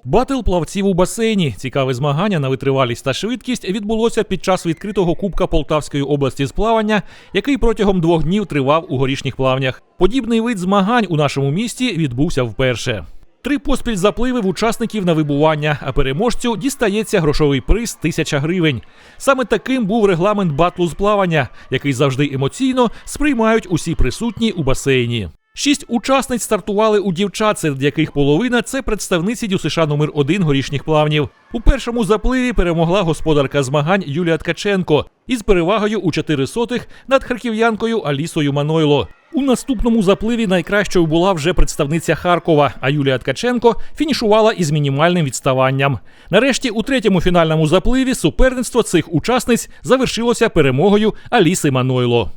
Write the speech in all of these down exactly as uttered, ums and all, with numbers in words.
Батл плавців у басейні. Цікаве змагання на витривалість та швидкість відбулося під час відкритого Кубка Полтавської області з плавання, який протягом двох днів тривав у Горішніх Плавнях. Подібний вид змагань у нашому місті відбувся вперше. Три поспіль запливи в учасників на вибування, а переможцю дістається грошовий приз – тисяча гривень. Саме таким був регламент батлу з плавання, який завжди емоційно сприймають усі присутні у басейні. Шість учасниць стартували у дівчат, серед яких половина – це представниці ДЮСШ номер один Горішніх Плавнів. У першому запливі перемогла господарка змагань Юлія Ткаченко із перевагою у чотири сотих над харків'янкою Алісою Манойло. У наступному запливі найкращою була вже представниця Харкова, а Юлія Ткаченко фінішувала із мінімальним відставанням. Нарешті у третьому фінальному запливі суперництво цих учасниць завершилося перемогою Аліси Манойло.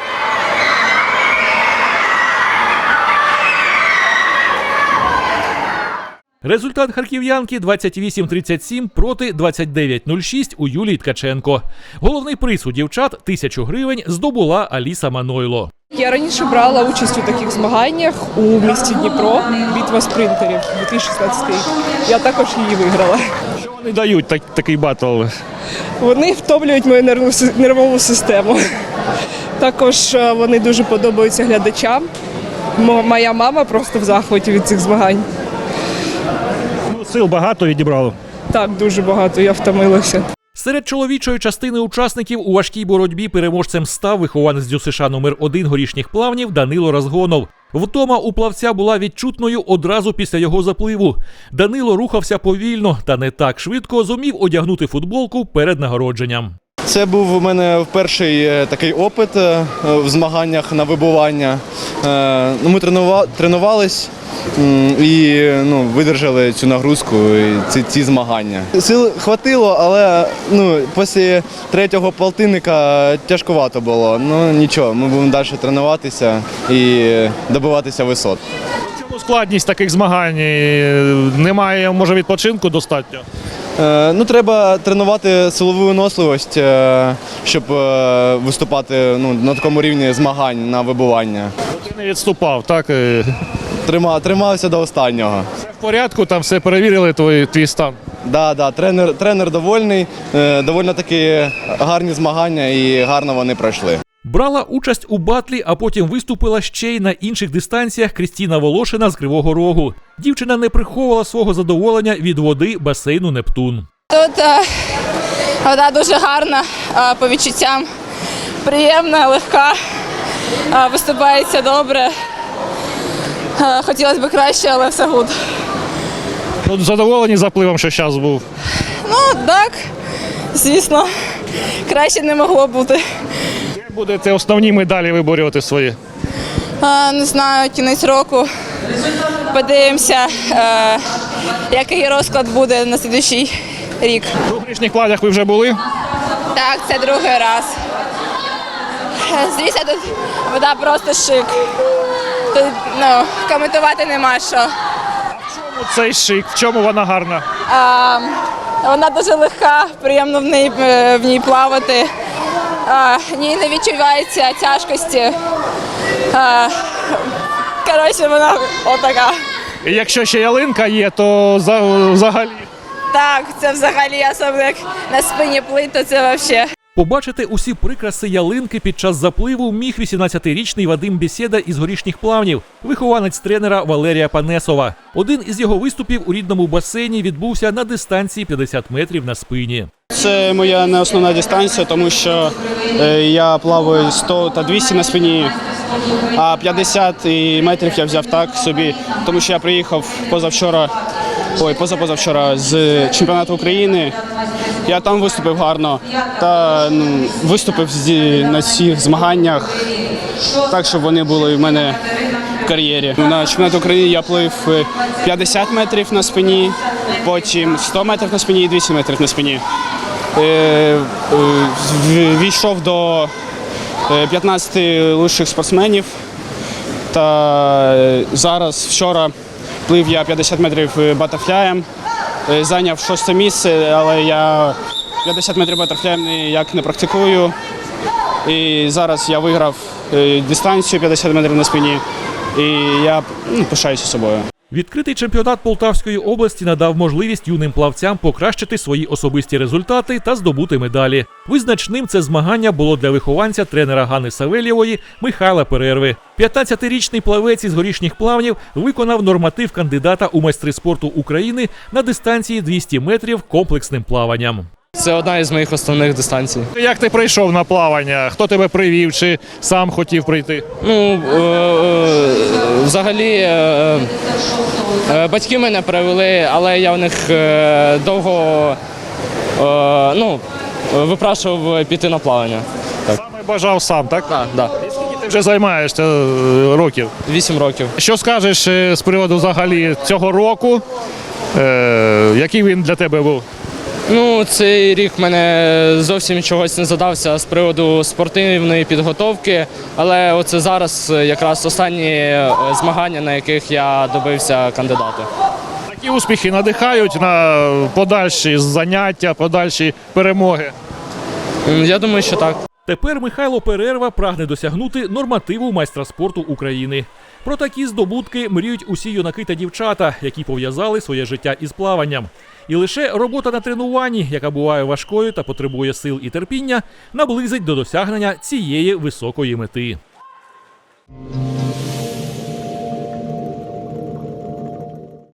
Результат харків'янки двадцять вісім тридцять сім проти двадцять дев'ять нуль шість у Юлії Ткаченко. Головний приз у дівчат – тисячу гривень здобула Аліса Манойло. Я раніше брала участь у таких змаганнях у місті Дніпро, битва спринтерів дві тисячі шістнадцятий рік. Я також її виграла. Що вони дають так, такий батл? Вони втомлюють мою нервову, нервову систему. Також вони дуже подобаються глядачам. Моя мама просто в захваті від цих змагань. Ну, сил багато відібрало? Так, дуже багато, я втомилася. Серед чоловічої частини учасників у важкій боротьбі переможцем став вихованець ДЮСШ номер один Горішніх Плавнів Данило Разгонов. Втома у плавця була відчутною одразу після його запливу. Данило рухався повільно та не так швидко зумів одягнути футболку перед нагородженням. Це був у мене перший такий опит в змаганнях на вибування. Ми тренувались і ну, видержали цю нагрузку, і ці, ці змагання. Сил хватило, але ну, після третього полтинника тяжкувато було. Ну нічого, ми будемо далі тренуватися і добиватися висот. Чому складність таких змагань? Немає, може, відпочинку достатньо? Ну, треба тренувати силову виносливість, щоб виступати ну, на такому рівні змагань на вибування. Ти не відступав, так? Тримав, тримався до останнього. Все в порядку, там все перевірили, твій, твій стан? Да, да, тренер, тренер довольний, доволі таки гарні змагання і гарно вони пройшли. Брала участь у батлі, а потім виступила ще й на інших дистанціях Крістіна Волошина з Кривого Рогу. Дівчина не приховувала свого задоволення від води басейну «Нептун». Тут е, вода дуже гарна, е, по відчуттям приємна, легка, е, виступається добре. Е, хотілося б краще, але все гуд. Тут задоволені запливом, що зараз був? Ну так, звісно, краще не могло бути. Де будете основні медалі виборювати свої? Е, не знаю, кінець року. Подивимося, е, який розклад буде на наступний рік. У Горішніх Плавнях ви вже були? Так, це другий раз. Звісно, тут вода просто шик. Тут ну, коментувати нема що. В чому цей шик? В чому вона гарна? А, вона дуже легка, приємно в ній, в ній плавати. А, в ній не відчувається тяжкості. А, коротше, вона отака. І якщо ще ялинка є, то взагалі? Так, це взагалі, особливо як на спині плить, то це взагалі. Побачити усі прикраси ялинки під час запливу міг вісімнадцятирічний Вадим Бєсєда із Горішніх Плавнів, вихованець тренера Валерія Панесова. Один із його виступів у рідному басейні відбувся на дистанції п'ятдесят метрів на спині. Це моя не основна дистанція, тому що я плаваю сто та двісті на спині, а п'ятдесят метрів я взяв так собі, тому що я приїхав позавчора, ой, позапозавчора з чемпіонату України. Я там виступив гарно та ну, виступив на всіх змаганнях, так, щоб вони були в мене в кар'єрі. На чемпіонаті України я плив п'ятдесят метрів на спині, потім сто метрів на спині і двісті метрів на спині. Війшов до п'ятнадцяти лучших спортсменів, та зараз вчора плив я п'ятдесят метрів батерфляєм, зайняв шосте місце, але я п'ятдесят метрів батерфляєм ніяк не практикую. І зараз я виграв дистанцію п'ятдесят метрів на спині, і я ну, пишаюся собою. Відкритий чемпіонат Полтавської області надав можливість юним плавцям покращити свої особисті результати та здобути медалі. Визначним це змагання було для вихованця тренера Ганни Савельєвої Михайла Перерви. п'ятнадцятирічний плавець із горішніх плавнів виконав норматив кандидата у майстри спорту України на дистанції двісті метрів комплексним плаванням. Це одна із моїх основних дистанцій. Як ти прийшов на плавання? Хто тебе привів чи сам хотів прийти? Ну, е, е, взагалі, е, е, батьки мене привели, але я в них е, довго е, ну, випрашував піти на плавання. Саме бажав сам, так? Так, да, І скільки ти вже займаєшся е, років? вісім років. Що скажеш е, з приводу взагалі цього року? Е, який він для тебе був? Ну, цей рік в мене зовсім чогось не задався з приводу спортивної підготовки, але оце зараз якраз останні е, змагання, на яких я добився кандидата. Такі успіхи надихають на подальші заняття, подальші перемоги. М, Я думаю, що так. Тепер Михайло Перерва прагне досягнути нормативу майстра спорту України. Про такі здобутки мріють усі юнаки та дівчата, які пов'язали своє життя із плаванням. І лише робота на тренуванні, яка буває важкою та потребує сил і терпіння, наблизить до досягнення цієї високої мети.